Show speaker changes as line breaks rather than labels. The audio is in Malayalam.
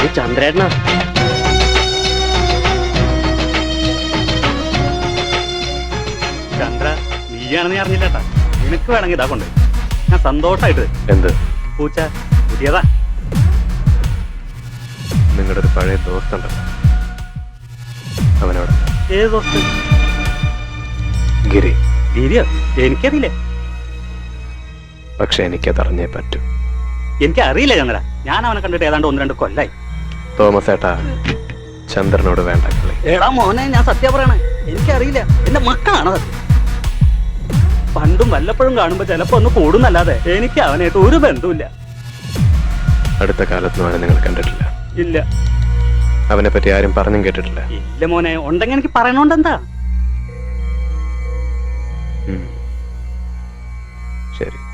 ചന്ദ്രേട്ടനാ.
ചന്ദ്ര, നീയാണെന്ന് ഞാൻ അറിഞ്ഞില്ലേട്ടാ. നിനക്ക് വേണമെങ്കിൽ ഇതാ കൊണ്ട് ഞാൻ സന്തോഷായിട്ട്.
എന്ത്
പൂച്ച പുതിയതാ.
നിങ്ങളുടെ ഒരു പഴയ ദോസ്തുണ്ടല്ലോ, അവനോട്.
ഏത് ദോസ്ത്?
ഗിരി.
ഗിരിയോ? എനിക്കറിയില്ലേ.
പക്ഷെ എനിക്കത് അറിഞ്ഞേ പറ്റൂ.
എനിക്കറിയില്ല ചന്ദ്ര. ഞാൻ അവനെ കണ്ടിട്ട് ഏതാണ്ട് 1-2 കൊല്ലായി.
തോമസ് ഏട്ടാ, ചന്ദ്രനോട് വേണ്ട കളി.
എടാ മോനെ, ഞാൻ സത്യം പറയണേ, എനിക്കറിയില്ല. എന്റെ മക്കളാണ് അത്. പണ്ടും വല്ലപ്പോഴും കാണുമ്പോ ചിലപ്പോ ഒന്ന് കൂടുന്നല്ലാതെ എനിക്ക് അവനായിട്ട് ഒരു ബന്ധവുമില്ല.
അടുത്ത കാലത്തൊന്നും അവനെ നിങ്ങൾ കണ്ടിട്ടില്ല?
ഇല്ല.
അവനെ പറ്റി ആരും പറഞ്ഞും കേട്ടിട്ടില്ല?
ഇല്ല മോനെ. ഉണ്ടെങ്കിൽ എനിക്ക് പറയണോണ്ട് എന്താ.
ശരി.